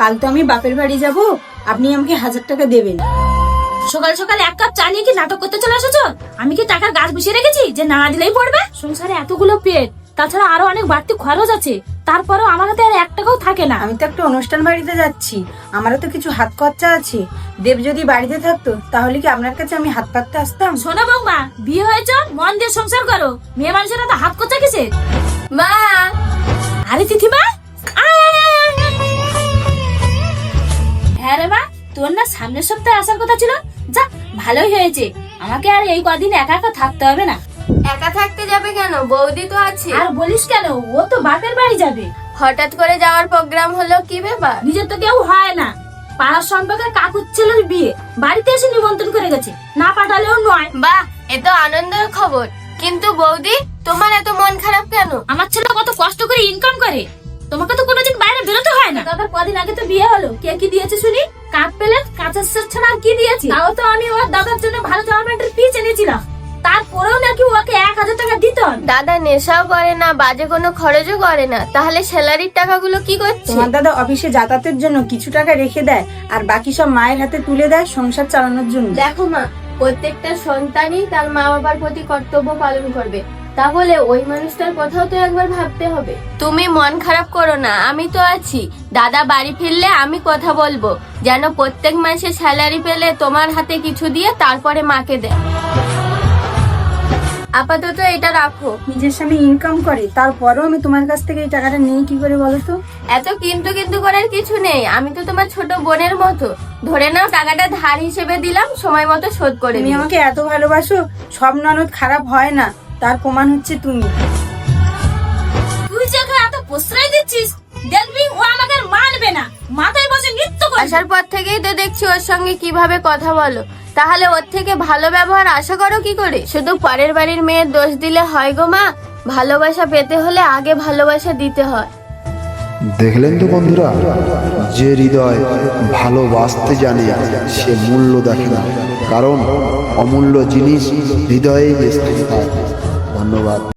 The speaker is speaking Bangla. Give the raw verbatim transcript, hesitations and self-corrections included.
কাল তো আমি বাপের বাড়ি যাব, আপনি আমাকে হাজার টাকা দেবেন। সকাল সকাল এক কাপ চা নিয়ে কি নাটক করতে চলে এসেছো? আমি কি টাকার গাছ বসিয়ে রেখেছি যে না দিলেই পড়বে? সংসারে এতগুলো পেট, তাছাড়া আরো অনেক বাড়তি খরচ আছে, তারপরেও আমার হাতে আর এক টাকাও থাকে না। আমি তো একটা অনুষ্ঠান বাড়িতে যাচ্ছি, আমারও তো কিছু হাত খরচা আছে। দেব যদি বাড়িতে থাকতো তাহলে কি আপনার কাছে আমি হাত পাততে আসতাম? শোনো বৌমা, বিয়ে হয়েছে মন দিয়ে সংসার করো, মেয়ে মানুষের তো হাত খরচা কিসে? মা, আরে তিথিমা, আয় আয় আয় আয় আয়। হ্যাঁ রে মা, তোর না সামনের সপ্তাহে আসার কথা ছিল। যা, ভালোই হয়েছে, আমাকে আর এই কদিন একা একা থাকতে হবে না। একা থাকতে যাবে কেন? বৌদি তো আছে। আর বলিস কেন, ও তো বাপের বাড়ি যাবে। হঠাৎ করে যাওয়ার প্রোগ্রাম হলো, কি ব্যাপার? নিজের তো কেউ হয় না, পাড়ার সম্পর্কে কাকুর ছেলের বিয়ে, বাড়িতে এসে নিমন্ত্রণ করে গেছে, না পাঠালেও নয়। বাহ, এ তো আনন্দের খবর। কিন্তু বৌদি, তোমার এত মন খারাপ কেন? আমার ছেলে কত কষ্ট করে ইনকাম করে, তোমাকে তো কোনোদিন বাইরে বেরোতে হয় না। দাদার কদিন আগে তো বিয়ে হলো, কে কি দিয়েছে শুনি? কাপ প্লেট, কাঁচের সেট ছাড়া আর কি দিয়েছি? তাও তো আমি ওর দাদার জন্য ভালো জামা প্যান্টের পিস এনেছিলাম, তারপরেও নাকি ওকে এক হাজার টাকা দিত। দাদা নেশাও করে না, বাজে কোনো খরচও করে না, তাহলে স্যালারির টাকাগুলো কি করছে? তোমার দাদা অফিসে যাতায়াতের জন্য কিছু টাকা রেখে দেয়, আর বাকি সব মায়ের হাতে তুলে দেয় সংসার চালানোর জন্য। দেখো মা, প্রত্যেকটা সন্তানই তার মা বাবার প্রতি কর্তব্য পালন করবে, তাহলে ওই মানুষটার কথাও তো একবার ভাবতে হবে। তুমি মন খারাপ করো না, আমি তো আছি। দাদা বাড়ি ফিরলে আমি কথা বলবো, যেন প্রত্যেক মাসে স্যালারি পেলে তোমার হাতে কিছু দিয়ে তারপরে মাকে দেয়। আপাতত এটা রাখো। নিজের স্বামী ইনকাম করে, তারপরেও আমি তোমার কাছ থেকে এই টাকাটা নেই কি করে বলো তো? এত কিন্তু কিন্তু করার কিছু নেই, আমি তো তোমার ছোট বোনের মতো। ধরে নাও, টাকাটা ধার হিসেবে দিলাম, সময় মতো শোধ করে তুমি দিও। আমাকে এত ভালোবাসো, সব ননদ খারাপ হয় না, তার প্রমাণ হচ্ছে তুমি। তুই যে ওকে এত প্রশ্রয় দিচ্ছিস, দেখবি ও আমাকে আর মানবে না, মাথায় বসে নৃত্য করবে। আসার পর থেকেই তো দেখছি ওর সঙ্গে কিভাবে কথা বলো, তাহলে ওর থেকে ভালো ব্যবহার আশা করো কি করে? শুধু পরের বাড়ির মেয়ের দোষ দিলে হয় গো মা, ভালোবাসা পেতে হলে আগে ভালোবাসা দিতে হয়। দেখলেন তো বন্ধুরা, যে হৃদয় ভালোবাসতে জানে সে মূল্য দেখে না, কারণ অমূল্য জিনিস হৃদয়েই স্থায়ী হয়। ধন্যবাদ।